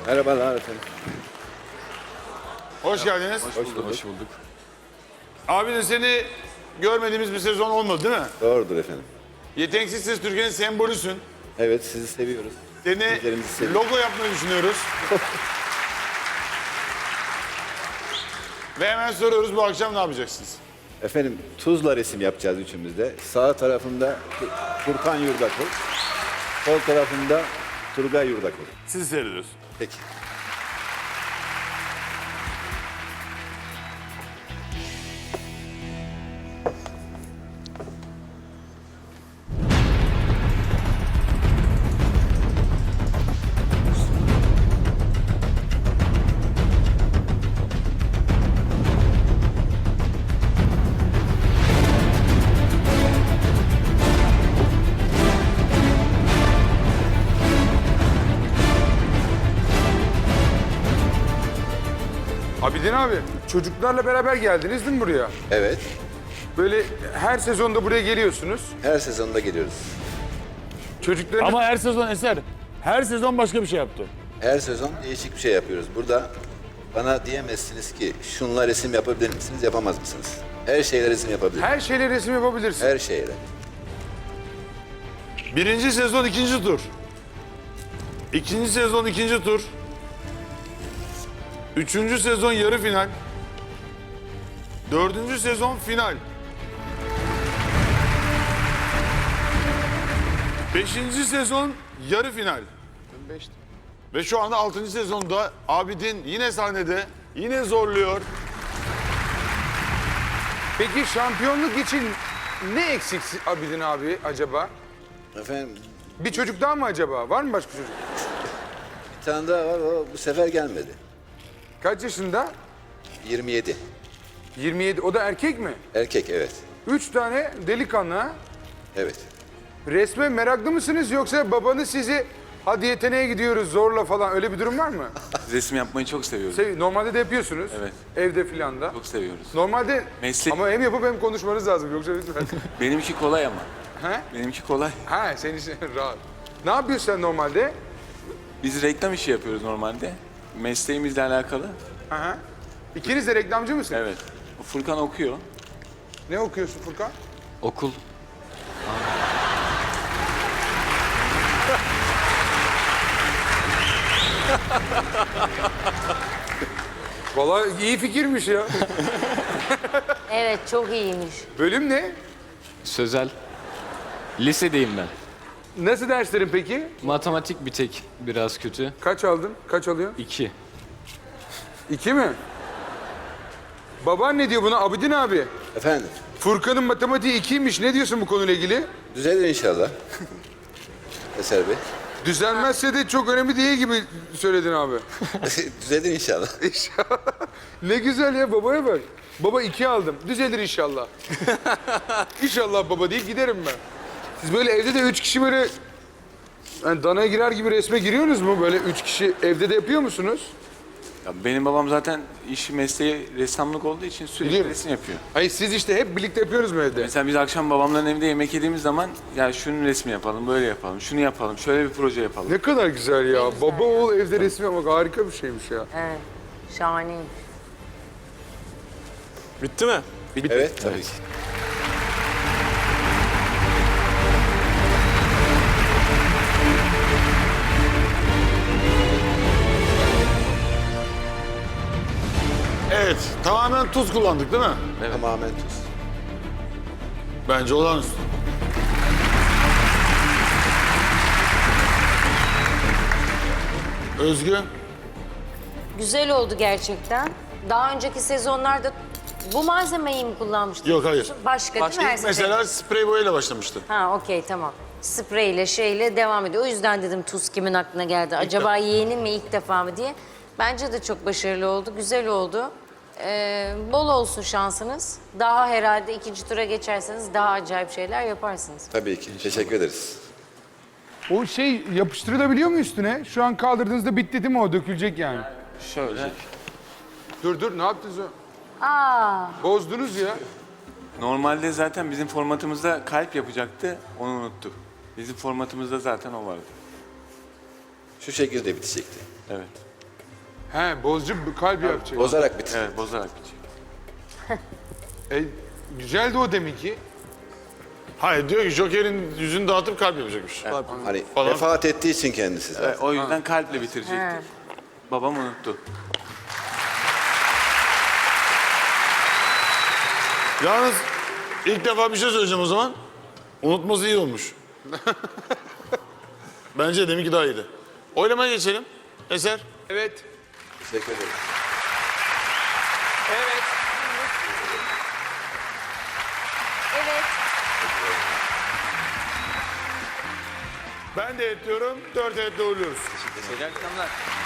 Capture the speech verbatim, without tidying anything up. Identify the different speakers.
Speaker 1: Merhabalar efendim.
Speaker 2: Hoş geldiniz.
Speaker 1: Hoş bulduk.
Speaker 3: Hoş bulduk.
Speaker 2: Abi de seni görmediğimiz bir sezon olmadı değil mi?
Speaker 1: Doğrudur efendim.
Speaker 2: Yeteneksiz Ses Türkiye'nin sembolüsün.
Speaker 1: Evet, sizi seviyoruz.
Speaker 2: Seni
Speaker 1: Bizlerimizi seviyoruz.
Speaker 2: logo yapmayı düşünüyoruz. Ve hemen soruyoruz, bu akşam ne yapacaksınız?
Speaker 1: Efendim, Tuzla resim yapacağız üçümüzde. Sağ tarafında Furkan Yurdakul, sol tarafında Turgay Yurdakul.
Speaker 2: Sizi seyrediyoruz.
Speaker 1: Peki.
Speaker 4: Abidin abi, çocuklarla beraber geldiniz değil mi buraya?
Speaker 1: Evet,
Speaker 4: Böyle her sezonda buraya geliyorsunuz.
Speaker 1: her sezonda geliyoruz.
Speaker 4: Çocukların
Speaker 2: Ama her sezon Eser, her sezon başka bir şey yaptı.
Speaker 1: Her sezon değişik bir şey yapıyoruz. Burada bana diyemezsiniz ki şunla resim yapabilir misiniz, yapamaz mısınız? Her şeyle resim yapabilirim.
Speaker 4: her şeyle resim yapabilirsin.
Speaker 1: Her şeyle.
Speaker 2: Birinci sezon ikinci tur. İkinci sezon ikinci tur. Üçüncü sezon yarı final. Dördüncü sezon final. Beşinci sezon yarı final. Ve şu anda altıncı sezonda Abidin yine sahnede, yine zorluyor.
Speaker 4: Peki şampiyonluk için ne eksik Abidin abi acaba?
Speaker 1: Efendim,
Speaker 4: Bir çocuk daha mı acaba? Var mı başka çocuk?
Speaker 1: bir tane daha var, o bu sefer gelmedi.
Speaker 4: Kaç yaşında?
Speaker 1: yirmi yedi.
Speaker 4: yirmi yedi. O da erkek mi?
Speaker 1: Erkek, evet.
Speaker 4: Üç tane delikanlı ha?
Speaker 1: Evet.
Speaker 4: Resme meraklı mısınız yoksa babanız sizi hadi yeteneğe gidiyoruz zorla falan öyle bir durum var mı?
Speaker 3: Resim yapmayı çok seviyoruz.
Speaker 4: Sev- Normalde de yapıyorsunuz.
Speaker 3: Evet.
Speaker 4: Evde filan da.
Speaker 3: Çok seviyoruz.
Speaker 4: Normalde
Speaker 3: Meslek-
Speaker 4: ama hem yapıp hem konuşmanız lazım yoksa lütfen.
Speaker 3: Benimki kolay ama.
Speaker 4: He?
Speaker 3: Benimki kolay.
Speaker 4: Ha senin için rahat. Ne yapıyorsun sen normalde?
Speaker 3: Biz reklam işi yapıyoruz normalde. Mesleğimizle alakalı.
Speaker 4: Hı hı. İkiniz de reklamcı mısın?
Speaker 3: Evet. Furkan okuyor.
Speaker 4: Ne okuyorsun Furkan?
Speaker 3: Okul.
Speaker 4: Vallahi iyi fikirmiş ya.
Speaker 5: Evet, çok iyiymiş.
Speaker 4: Bölüm ne?
Speaker 6: Sözel. Lisedeyim ben.
Speaker 4: Nasıl derslerin peki?
Speaker 6: Matematik bir tek biraz kötü.
Speaker 4: Kaç aldın? Kaç alıyorsun?
Speaker 6: İki.
Speaker 4: İki mi? Baban ne diyor buna Abidin abi?
Speaker 1: Efendim,
Speaker 4: Furkan'ın matematiği ikiymiş. Ne diyorsun bu konuyla ilgili?
Speaker 1: düzelir inşallah. Eser Bey.
Speaker 4: Düzelmezse de çok önemli değil gibi söyledin abi.
Speaker 1: Düzelir inşallah.
Speaker 4: Ne güzel ya babaya bak. Baba iki aldım. Düzelir inşallah. İnşallah baba deyip giderim ben. Siz böyle evde de üç kişi böyle yani danaya girer gibi resme giriyorsunuz mu? Böyle üç kişi evde de yapıyor musunuz?
Speaker 3: Ya benim babam zaten işi mesleği ressamlık olduğu için sürekli
Speaker 4: Biliyorum.
Speaker 3: resim yapıyor.
Speaker 4: Hayır siz işte hep birlikte yapıyorsunuz mu evde?
Speaker 3: Mesela biz akşam babamların evinde yemek yediğimiz zaman ya şunun resmi yapalım, böyle yapalım, şunu yapalım, şöyle bir proje yapalım.
Speaker 4: Ne kadar güzel ya.
Speaker 5: güzel
Speaker 4: Baba
Speaker 5: ya.
Speaker 4: oğul evde resim yapmak harika bir şeymiş ya.
Speaker 5: Evet, şahaneymiş.
Speaker 7: Bitti mi?
Speaker 1: Evet, tabii ki.
Speaker 2: Evet, tamamen tuz kullandık değil mi?
Speaker 1: Tamamen tuz.
Speaker 2: Bence olağanüstü. Özgü,
Speaker 5: Güzel oldu gerçekten. Daha önceki sezonlarda bu malzemeyi mi kullanmıştın?
Speaker 2: Yok, hayır.
Speaker 5: Başka, değil mi her
Speaker 2: ilk mesela sprey boyayla başlamıştı.
Speaker 5: Ha okey tamam. Spreyle şeyle devam ediyor. O yüzden dedim tuz kimin aklına geldi? Acaba yeğeni mi ilk defa mı diye. Bence de çok başarılı oldu, güzel oldu. Ee, bol olsun şansınız. Daha herhalde ikinci tura geçerseniz daha acayip şeyler yaparsınız.
Speaker 1: Tabii ki. Teşekkür ederiz.
Speaker 4: O şey yapıştırılabiliyor mu üstüne? Şu an kaldırdığınızda bitti değil mi o? Dökülecek yani.
Speaker 3: Şöyle.
Speaker 4: Dur dur ne yaptınız o?
Speaker 5: Aa,
Speaker 4: Bozdunuz ya.
Speaker 3: Normalde zaten bizim formatımızda kalp yapacaktı, onu unuttuk. Bizim formatımızda zaten o vardı.
Speaker 1: Şu şekilde bitecekti.
Speaker 3: Evet.
Speaker 4: He bozucu bir kalp yapacak.
Speaker 1: Bozarak bitir.
Speaker 3: Evet, bozarak bitiyor.
Speaker 4: E, güzeldi o demek ki.
Speaker 2: Hayır diyor ki Joker'in yüzünü dağıtıp kalp yapacakmış.
Speaker 1: Hani
Speaker 2: Falan.
Speaker 1: vefat ettiği için kendisi zaten.
Speaker 3: Evet, o yüzden kalple bitirecektik. Babam unuttu.
Speaker 2: Yalnız ilk defa bir şey söyleyeceğim o zaman. Unutması iyi olmuş. Bence deminki daha iyiydi. Oylamaya geçelim. Eser.
Speaker 4: Evet.
Speaker 1: Teşekkür ederim.
Speaker 4: Evet.
Speaker 5: Evet.
Speaker 2: Ben de et diyorum. Dört etle uğurluyoruz.
Speaker 3: İyi akşamlar.